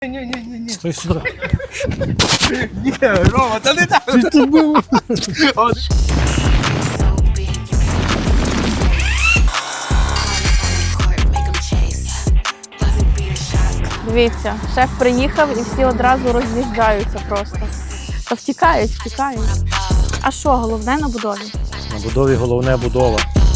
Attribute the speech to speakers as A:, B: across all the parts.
A: Ні.
B: Стой сюди.
A: Ні, Рома, та не так.
B: Ти тут був.
C: Дивіться, шеф приїхав і всі одразу роз'їжджаються просто. Та втікають. А що головне на будові?
B: На будові головне будова.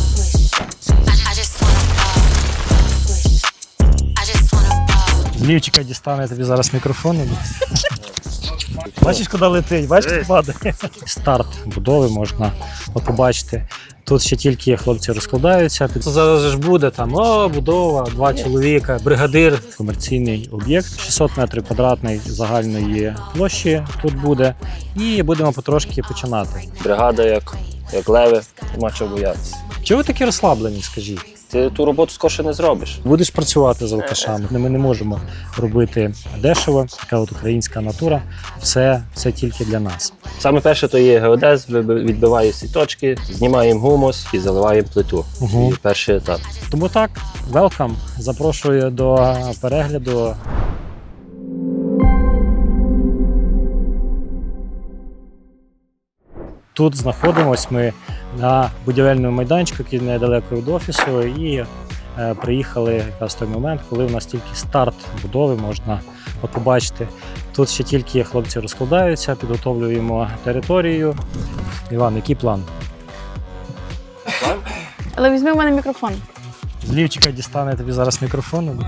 B: З лівчика дістане тобі зараз мікрофон. Бачиш, куди летить, бачиш, куди падає. Старт будови можна побачити. Тут ще тільки хлопці розкладаються. Зараз ж буде там, будова, 2 чоловіка, бригадир. Комерційний об'єкт, 600 метрів квадратний загальної площі тут буде. І будемо потрошки починати.
D: Бригада як леви, нема чого боятися.
B: Чого ви такі розслаблені, скажіть?
D: Ти ту роботу скорше не зробиш.
B: Будеш працювати з алкашами. Ми не можемо робити дешево, така от українська натура. Все тільки для нас.
D: Саме перше то є геодез, відбиває всі точки, знімаємо гумус і заливаємо плиту.
B: Угу.
D: І перший етап.
B: Тому так, welcome, запрошую до перегляду. Тут знаходимось ми на будівельному майданчику, який недалеко від офісу, і приїхали якраз в той момент, коли у нас тільки старт будови можна побачити. Тут ще тільки хлопці розкладаються, підготовлюємо територію. Іван, який план?
C: Але візьми в мене мікрофон.
B: З лівчика дістане тобі зараз мікрофон.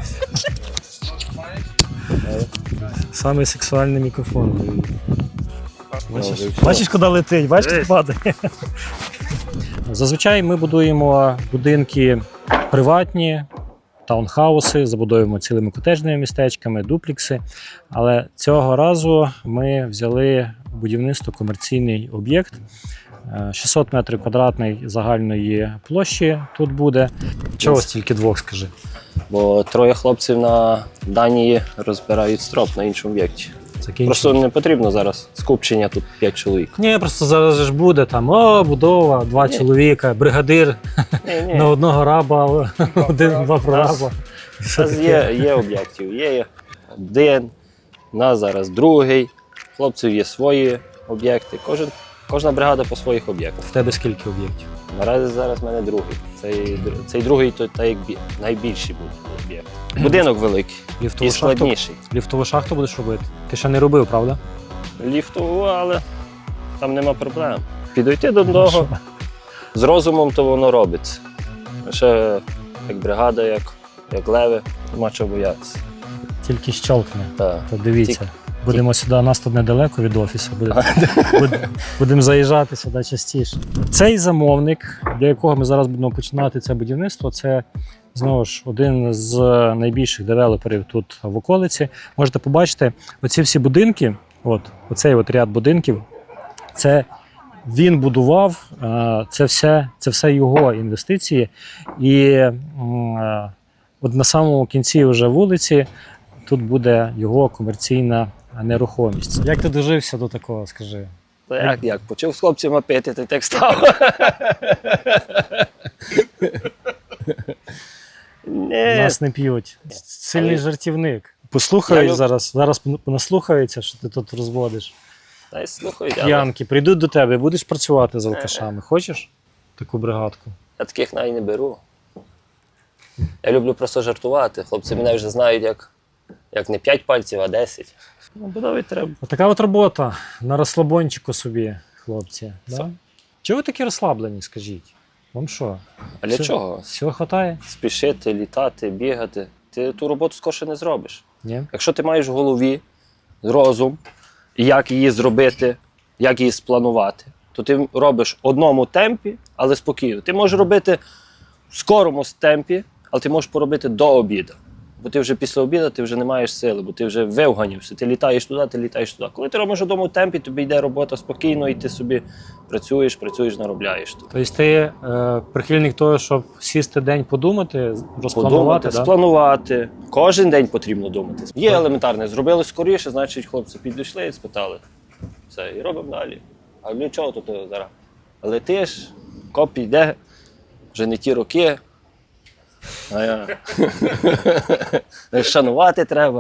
B: Саме сексуальний мікрофон. Бачиш, куди летить, бачиш, куди падає. Зазвичай ми будуємо будинки приватні, таунхауси, забудовуємо цілими котеджними містечками, дуплікси. Але цього разу ми взяли будівництво комерційний об'єкт. 600 метрів квадратний загальної площі тут буде. Чого стільки двох, скажи?
D: Бо 3 хлопців на Данії розбирають строп на іншому об'єкті. Просто не потрібно зараз скупчення тут 5 чоловік.
B: Ні, просто зараз ж буде там, будова, 2 чоловіка, бригадир на одного раба, 1-2 прораба.
D: У нас є об'єктів, є один, у нас зараз другий, хлопців є свої об'єкти, кожна бригада по своїх об'єктах.
B: В тебе скільки об'єктів?
D: Наразі зараз в мене другий. Цей другий то як найбільший був об'єкт. Будинок великий і складніший.
B: Ліфтову шахту будеш робити? Ти ще не робив, правда?
D: Ліфтову, але там нема проблем. Підійти до одного, з розумом то воно робиться. Ще як бригада, як леви, нема чого боятися.
B: Тільки щелкне.
D: Так.
B: То дивіться. Будемо сюди, нас тут недалеко від офісу, будемо заїжджати сюди частіше. Цей замовник, для якого ми зараз будемо починати це будівництво, це знову ж один з найбільших девелоперів тут в околиці. Можете побачити, оці всі будинки, оцей ряд будинків, це він будував, це все його інвестиції. І от на самому кінці вже вулиці тут буде його комерційна нерухомість. Як ти дожився до такого, скажи?
D: Як? Почав з хлопцями пити, ти так став.
B: Нас не п'ють. Сильний жартівник. Послухають зараз наслухаються, що ти тут розводиш.
D: Та й слухають.
B: П'янки, прийдуть до тебе, будеш працювати з алкашами. Хочеш таку бригадку?
D: Я таких навіть не беру. Я люблю просто жартувати. Хлопці мене вже знають, як не 5 пальців, а 10. Будові треба.
B: Така от робота на розслабончику собі, хлопці. Да? Чого ви такі розслаблені, скажіть? Вам що?
D: А для чого?
B: Всього хватає?
D: Спішити, літати, бігати. Ти ту роботу скорше не зробиш.
B: Ні?
D: Якщо ти маєш в голові розум, як її зробити, як її спланувати, то ти робиш в одному темпі, але спокійно. Ти можеш робити в скорому темпі, але ти можеш поробити до обіду. Бо ти вже після обіду ти вже не маєш сили, бо ти вже вивганівся. Ти літаєш туди. Коли ти робиш в одному темпі, тобі йде робота спокійно, і ти собі працюєш, наробляєш.
B: Тобто ти прихильник того, щоб сісти день подумати, розпланувати?
D: Спланувати. Кожен день потрібно думати. Є елементарне. Зробили скоріше, значить хлопці підійшли і спитали. Все, і робимо далі. А для чого тут зараз? Летиш, коп йде, вже не ті роки. Шанувати треба.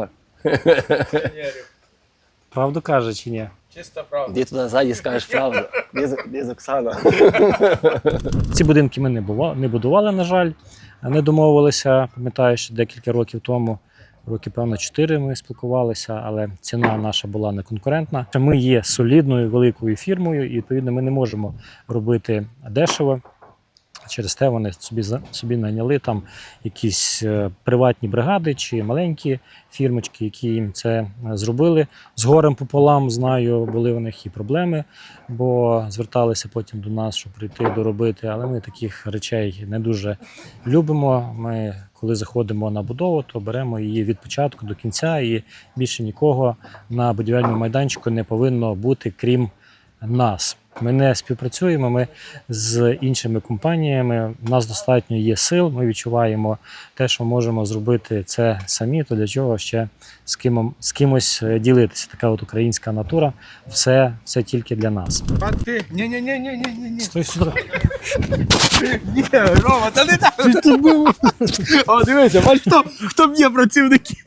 B: Правду каже чи ні?
A: Чиста правда.
D: Де туди ззаді скажеш правду. Де з Оксана?
B: Ці будинки ми не будували, на жаль, не домовилися. Пам'ятаю, що декілька років тому, роки, певно, 4 ми спілкувалися, але ціна наша була неконкурентна. Ми є солідною великою фірмою, і, відповідно, ми не можемо робити дешево. Через те вони собі найняли там якісь приватні бригади чи маленькі фірмочки, які їм це зробили. З горем пополам, знаю, були у них і проблеми, бо зверталися потім до нас, щоб прийти доробити. Але ми таких речей не дуже любимо. Ми, коли заходимо на будову, то беремо її від початку до кінця, і більше нікого на будівельному майданчику не повинно бути, крім нас. Ми не співпрацюємо, ми з іншими компаніями, у нас достатньо є сил, ми відчуваємо те, що можемо зробити це самі, то для чого ще з кимось ділитися. Така от українська натура, все тільки для нас.
A: А ти? Ні.
B: Стой сюди.
A: Ні, Рома, та не так. О, дивися, бач, хто б'є працівників.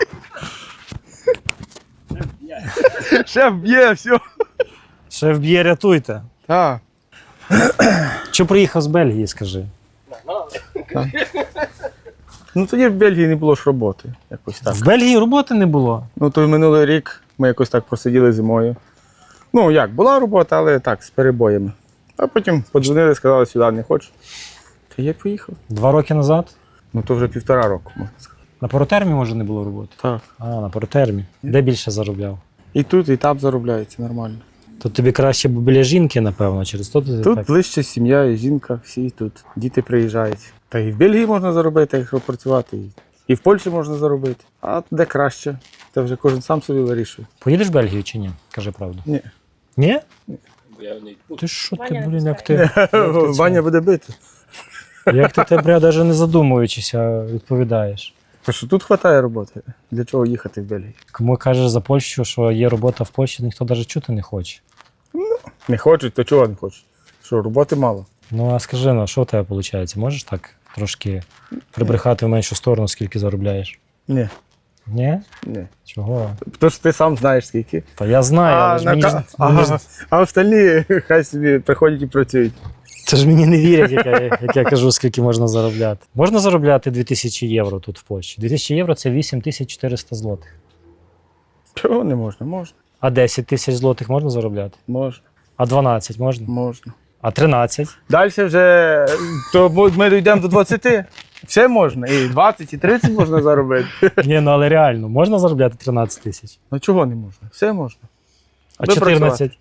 A: Шеф б'є, все.
B: Шеф б'є, рятуйте.
A: Так.
B: Що приїхав з Бельгії, скажи?
A: Ну тоді в Бельгії не було ж роботи. Якось так.
B: В Бельгії роботи не було.
A: Ну той минулий рік ми якось так просиділи зимою. Ну як, була робота, але так, з перебоями. А потім подзвонили, сказали, сюди не хочеш. Та я поїхав.
B: 2 роки назад?
A: Ну то вже 1,5 року, можна сказати.
B: На Поротермі, може, не було роботи?
A: Так.
B: А, на Поротермі. Де більше заробляв?
A: І тут, і там заробляється нормально.
B: То тобі краще б біля жінки, напевно, через то ти
A: Тут
B: так.
A: ближче сім'я, і жінка, всі тут. Діти приїжджають. Та і в Бельгії можна заробити, якщо працювати. І в Польщі можна заробити. А де краще? Це вже кожен сам собі вирішує.
B: Поїдеш в Бельгію чи ні? Кажи правду.
A: Ні.
B: Ні? Ти що ти, блін,
A: Ваня буде бити.
B: як ти тебе навіть не задумуючися відповідаєш?
A: Та що тут вистачає роботи. Для чого їхати в Бельгію?
B: Кому кажеш за Польщу, що є робота в Польщі, ніхто навіть чути не хоче.
A: Не хочуть, то чого не хочуть? Що, роботи мало?
B: Ну а скажи, ну що в тебе виходить? Можеш так трошки прибрехати в меншу сторону, скільки заробляєш?
A: Ні.
B: Ні?
A: Ні.
B: Чого?
A: Тому що ти сам знаєш скільки.
B: Та я знаю, але ж мені ж,
A: А остальні хай собі приходять і працюють.
B: це ж мені не вірять, як я кажу, скільки можна заробляти. Можна заробляти 2000 євро тут в Польщі. 2000 євро – це 8400 злотих.
A: Чого не можна? Можна.
B: А 10 тисяч злотих можна заробляти?
A: Можна.
B: А 12 можна?
A: Можна.
B: А 13?
A: Далі вже то ми дійдемо до 20. Все можна. І 20, і 30 можна заробити.
B: Ні, ну але реально, можна заробляти 13 тисяч?
A: Ну чого не можна? Все можна.
B: А
A: Ви
B: 14?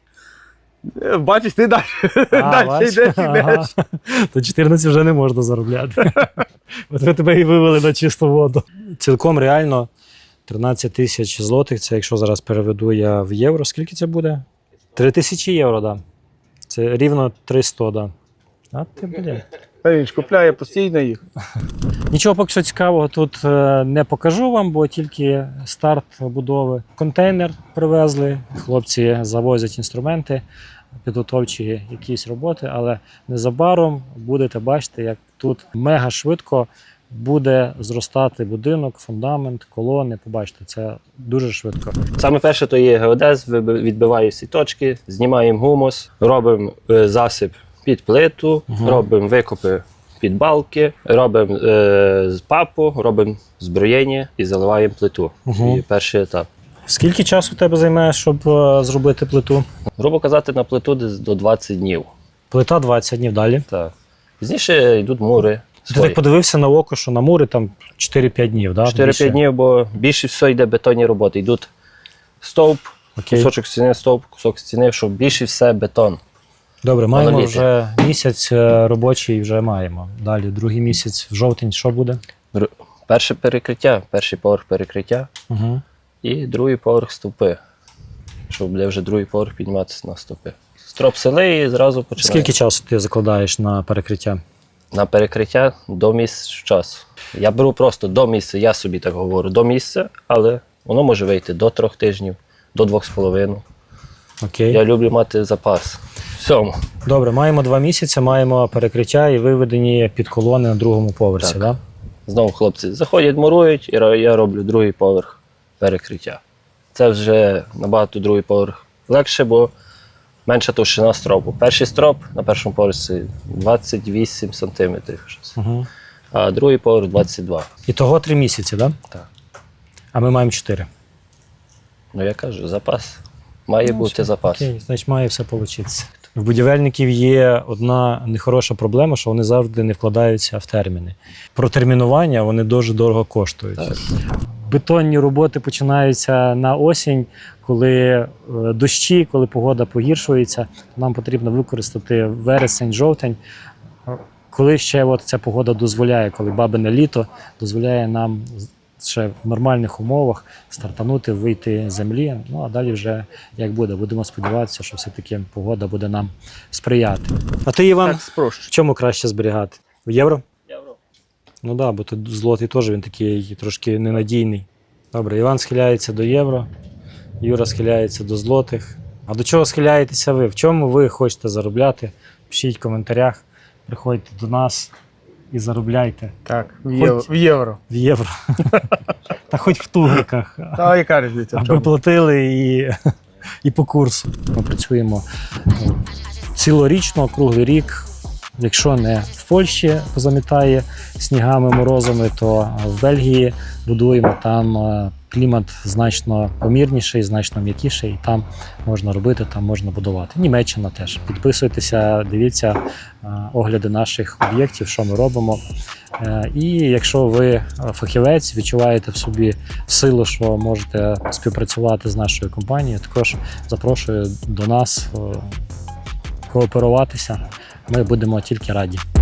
A: Бачиш, ти далі. Далі
B: бачиш?
A: йдеш,
B: Ага.
A: йдеш.
B: То 14 вже не можна заробляти. От ви тебе і вивели на чисту воду. Цілком реально 13 тисяч злотих, це якщо зараз переведу я в євро, скільки це буде? 3000 євро, так. Да. Це рівно 300, да. А ти, блін.
A: Та він ж купляє постійно їх.
B: Нічого поки що цікавого тут не покажу вам, бо тільки старт будови. Контейнер привезли, хлопці завозять інструменти, підготовчі якісь роботи, але незабаром будете бачити, як тут мега швидко буде зростати будинок, фундамент, колони. Побачите, це дуже швидко.
D: Саме перше то є геодез, відбиваю всі точки, знімаємо гумус, робимо засип під плиту, робимо викопи під балки, робимо папу, робимо зброєння і заливаємо плиту. І перший етап.
B: Скільки часу в тебе займає, щоб зробити плиту?
D: Грубо казати, на плиту десь до 20 днів.
B: Плита 20 днів далі.
D: Так. Пізніше йдуть мури.
B: Ти так подивився на око, що на мури там 4-5 днів, так?
D: 4-5 днів, бо більше все йде бетонні роботи. Йдуть стовп,
B: Окей.
D: кусочок стіни, стовп, кусок стіни, щоб більше все бетон.
B: Добре, маємо
D: Моноліти.
B: вже місяць робочий, вже маємо. Далі, другий місяць, в жовтень, що буде?
D: Перше перекриття, перший поверх перекриття
B: Угу.
D: і другий поверх стовпи. Щоб буде вже другий поверх підніматися на стовпи. Строп сели і зразу починає.
B: Скільки часу ти закладаєш на перекриття?
D: На перекриття до місяця часу. Я беру просто до місяця, я собі так говорю, до місяця, але воно може вийти до 3 тижнів, до 2,5.
B: Окей.
D: Я люблю мати запас. Всьому.
B: Добре, маємо 2 місяці, маємо перекриття і виведені під колони на другому поверсі,
D: Так.
B: так?
D: Знову хлопці заходять, мурують, і я роблю другий поверх перекриття. Це вже набагато другий поверх легше, бо менша товщина стропу. Перший строп на першому поверсі 28 сантиметрів, щось.
B: Угу.
D: А другий поверх 22.
B: І того 3 місяці, так?
D: Так.
B: А ми маємо 4.
D: Ну я кажу, запас. Має бути запас.
B: Окей, значить має все вийти. В будівельників є одна нехороша проблема, що вони завжди не вкладаються в терміни. Про термінування вони дуже дорого коштують.
D: Так.
B: Бетонні роботи починаються на осінь, коли дощі, коли погода погіршується. Нам потрібно використати вересень, жовтень, коли ще от ця погода дозволяє, коли бабине літо дозволяє нам ще в нормальних умовах стартанути, вийти з землі. Ну а далі вже як буде. Будемо сподіватися, що все-таки погода буде нам сприяти. А ти, Іван,
A: Так спрощу.
B: в чому краще зберігати? В євро?
D: Євро.
B: Ну так, да, бо тут злотий теж він такий трошки ненадійний. Добре, Іван схиляється до євро, Юра схиляється до злотих. А до чого схиляєтеся ви? В чому ви хочете заробляти? Пишіть в коментарях, приходьте до нас і заробляйте
A: Так, в євро.
B: в євро. Та хоч в тугриках,
A: А яка різниця? В
B: аби
A: чому?
B: платили і по курсу. Ми працюємо цілорічно, круглий рік. Якщо не в Польщі замітає снігами, морозами, то в Бельгії будуємо. Там клімат значно помірніший, значно м'якіший, і там можна робити, там можна будувати. Німеччина теж. Підписуйтеся, дивіться огляди наших об'єктів, що ми робимо. І якщо ви фахівець, відчуваєте в собі силу, що можете співпрацювати з нашою компанією, також запрошую до нас кооперуватися. Ми будемо тільки раді.